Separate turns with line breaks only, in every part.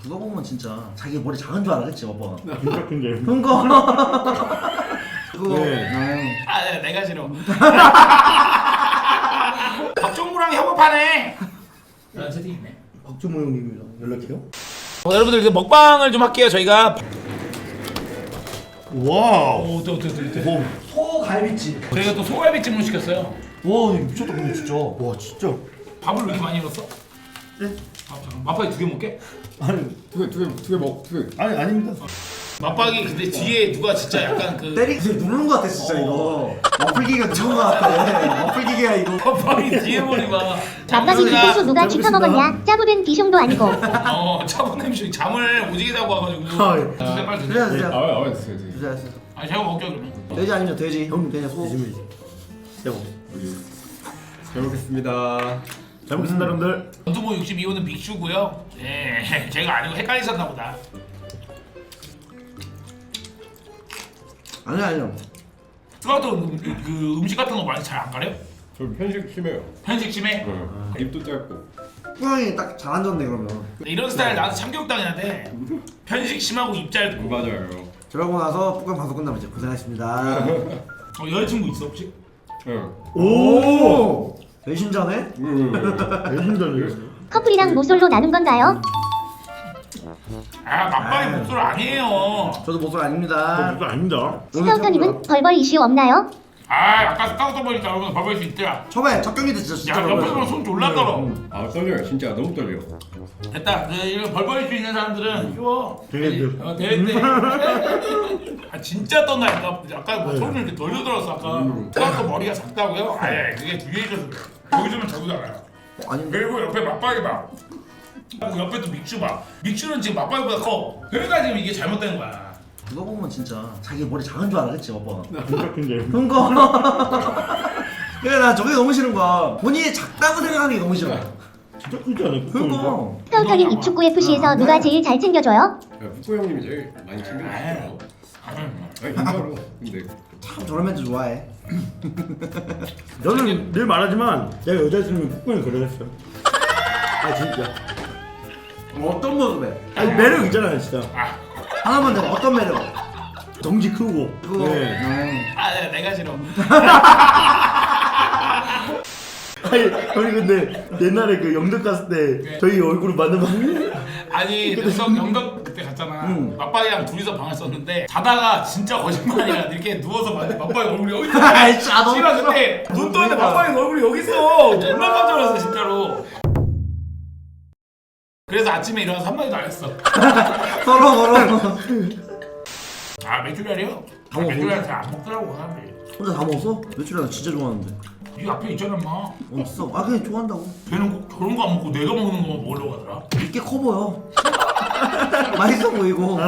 그거 보면 진짜 자기 머리 작은 줄 알았겠지 오빠가.
진짜 큰데.
그거. 그거.
네.
아, 내가 싫어. 박종구랑 협업하네. 난 채팅이네.
박주모 형님이랑 연락해요?
여러분들 이제 먹방을 좀 할게요. 저희가
와우.
또.
소갈비찜.
저희가 또 소갈비찜을 시켰어요.
와 이거 미쳤다 근데 진짜.
와 진짜.
밥을 왜 이렇게 많이 넣었어?
네?
밥 잠깐. 맛박이 2개 먹게?
아니
두 개.
아니 아닙니다.
맛박이 근데 뒤에 누가 진짜 약간 그
때리기 누르는 거 같아 진짜 이거. 머플기가 누른 거 같아. 머플기가 이거.
맛박이 뒤에 머리 봐.
밥박이 뒤통수 누가 짚어 먹었냐? 짜부된 비숑도 아니고.
차분 냄새 잠을 오지게 자고 와가지고.
아, 예.
드세요, 빨리
드세요
드세요.
드세요.
됐어요.
드세요 드세요.
아니 제가 먹게요 그러면.
돼지 아니면 돼지. 형 돼지 소.
요즘이지. 대박.
잘 먹겠습니다.
잘 먹겠습니다 여러분들.
원두모 62호는 빅슈고요. 예, 제가 아니고 헷갈리셨나 보다.
아니요.
스카우트 그 음식 같은 거 많이 잘 안 가려?
저 편식 심해요.
편식 심해?
입도 짧고.
후양이 딱 잘 앉았네 그러면.
이런 스타일 나한테 참교육당했는데 편식 심하고 입 짧고.
맞아요.
저러고 나서 북한 방송 끝나면 이제 고생하셨습니다.
여자친구 있어 혹시?
오. 배신자네?
배신자네요.
커플이랑 모솔로 나눈 건가요?
아 막방이 목소리 아니에요.
저도 목소리 아닙니다.
그거 아닙니다.
스카우터님은 벌벌 이슈 없나요?
아 아까 스카우터 보니까 여러분 봐볼 수 있더라.
처음에 첫 경기 때 진짜
야 옆에서 보면 손 졸라 떨어.
아 떨려요. 진짜 너무 떨려.
됐다. 이런 벌벌 수 있는 사람들은 쉬워.
되겠죠.
되는데. 아 진짜 떤다니까. 아까 뭐 소리를 이렇게 돌려 들었어 아까. 스카우터 머리가 작다고요? 아예 그게 뒤에 있어서 그래. 여기 주면 저기 나가요.
아닌데.
그리고 옆에 맞박이 봐. 그리고 옆에 또 믹슈 봐. 믹슈는 지금 맞박이보다 커. 그러니까 지금 이게 잘못된 거야.
그거 보면 진짜 자기 머리 작은 줄 알았겠지 오빠가.
진짜 큰데.
그거. 그래 나 저게 너무 싫은 거야. 본인이 작다고 생각하는 게 너무 싫어.
진짜 크지 않아요?
그거.
스카우터님 입축구 FC에서 누가 제일 잘 챙겨줘요?
북구 형님이 제일 많이 챙겨주시죠. 진짜로. 근데
참 저런 멘트 좋아해.
저는 늘 말하지만 제가 여자친구는 북구를 그려냈어요. 아 진짜.
어떤 모습에?
아니 매력 있잖아요 진짜.
하나만 내가 어떤 매력?
덩치 크고.
그거.
네.
아 내가 싫어.
아니 형이 근데 옛날에 그 영덕 갔을 때 저희 얼굴을 만나면
아니 영덕 그때 갔잖아.
응.
맞박이랑 둘이서 방을 썼는데 자다가 진짜 거짓말이야. 이렇게 누워서 맞박이 얼굴이 여기 있어.
아이, 짜, 너무
씨발 그때 눈 떠는데 맞박이 얼굴이 여기 있어. 존나 깜짝 놀랐어 진짜로. 그래서 아침에 일어나서 한마디도 안 했어.
서로.
아 메추리알이요?
다 먹어.
메추리알 잘 안 먹더라고 사람들이.
혼자 다 먹었어? 며칠 나 진짜 좋아하는데.
이 앞에 있잖아 인마.
어딨어? 아 그냥 좋아한다고.
걔는 꼭 저런 거 안 먹고 내가 먹는 거만 먹으려고 하더라.
이게 커 보여. 맛있어 보이고.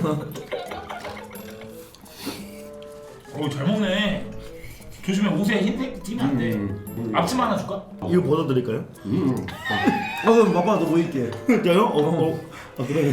잘 먹네. 조심해 옷에 흰색 튀면 안 돼. 앞치마 하나 줄까?
이거 벗어드릴까요?
그럼 맛봐 너 보일게.
진짜요? 그래요?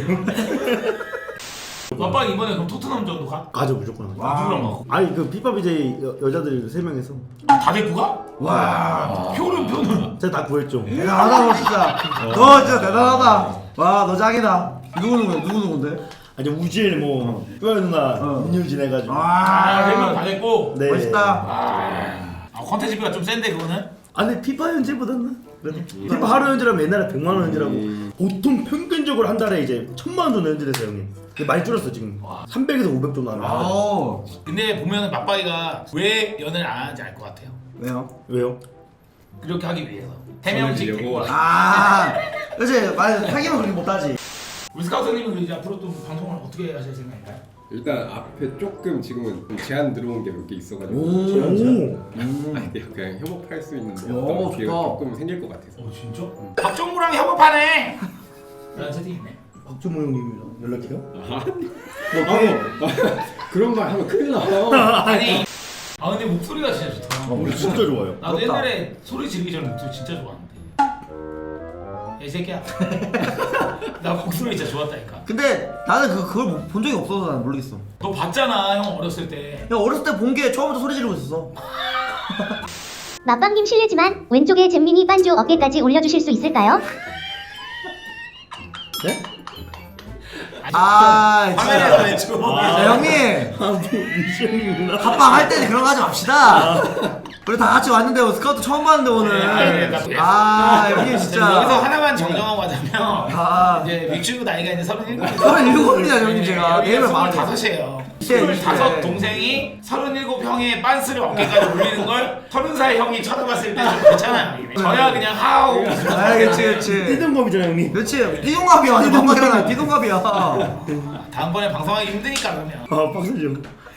아빠 이번에 그럼 토트넘 전도 가?
가죠 무조건.
누구랑 가?
아니 그 피파 BJ 여자들 3명에서
다 데리고 가?
와.
표는
제가 다 구했죠.
대단하다 너 진짜. 너 진짜 대단하다. 와 너 짱이다. 누구인데?
아니 우지엘 뭐 뼈 누나 민유진 해가지고.
아, 3명 다 됐고.
네.
멋있다.
컨텐츠비가 좀 센데 그거는?
아니 피파 현질보다는 그래도 피파 하루 현질하면 옛날에 100만 원 현질하고 보통 평균적으로 한 달에 이제 1000만 원 정도 현질했어요 형님. 근데 많이 줄었어 지금. 300에서 500 정도 하는 거.
오.
근데 보면은 맞박이가 왜 연애를 안 하는지 알 것 같아요.
왜요?
왜요?
그렇게 하기 위해서. 3명씩 데리고 와.
아. 그렇지. 말 사귀면 그렇게 못하지.
우리 스카우터님은 이제 앞으로 또 방송을 어떻게 하실 생각인가요?
일단 앞에 조금 지금은 좀 제한 들어온 게 몇 개 있어가지고.
오.
아니 그냥 협업할 수 있는
오,
어떤 기회가
좋다.
조금 생길 것 같아서.
진짜? 박정구랑 협업하네! 라는 채팅이 있네.
박주모 형님이랑 연락해요?
그런 말 하면 큰일 나.
아니 근데 목소리가 진짜 좋다.
우리 진짜 좋아요.
나도
부럽다.
옛날에 소리 지르기 전에 목소리 진짜 좋아하는데. 야, 이 새끼야. 나 목소리 진짜 좋았다니까.
근데 나는 그걸 본 적이 없어서 난 모르겠어.
너 봤잖아 형 어렸을 때.
야 어렸을 때 본 게 처음부터 소리 지르고 있었어.
맛방김 실례지만 왼쪽에 잼민이 반주 어깨까지 올려주실 수 있을까요?
네?
아
화면에서
진짜.
외치고.
자, 형님
아뭐 미션이구나.
합방 할 때는 그런 거 하지 맙시다. 우리 다 같이 왔는데 스카우트 처음 봤는데 오늘. 아 형님 진짜.
여기서 하나만 정정하고 하자면
아
이제 믹슈 나이가 이제 37.
37입니다 형님 제가. 내일은 마흔.
25이에요.
이제
25 동생이 37형의 빤스를 어깨까지 올리는 걸 30살 형이 쳐다봤을 때 좀 괜찮아요. 저야 그냥 하우.
아 그렇지.
띠동검이잖아 형님.
그렇지. 띠동갑이야. 완전 반박이잖아. 띠동갑이야.
다음번에 방송하기 힘드니까 그러면.
아 빡세죠.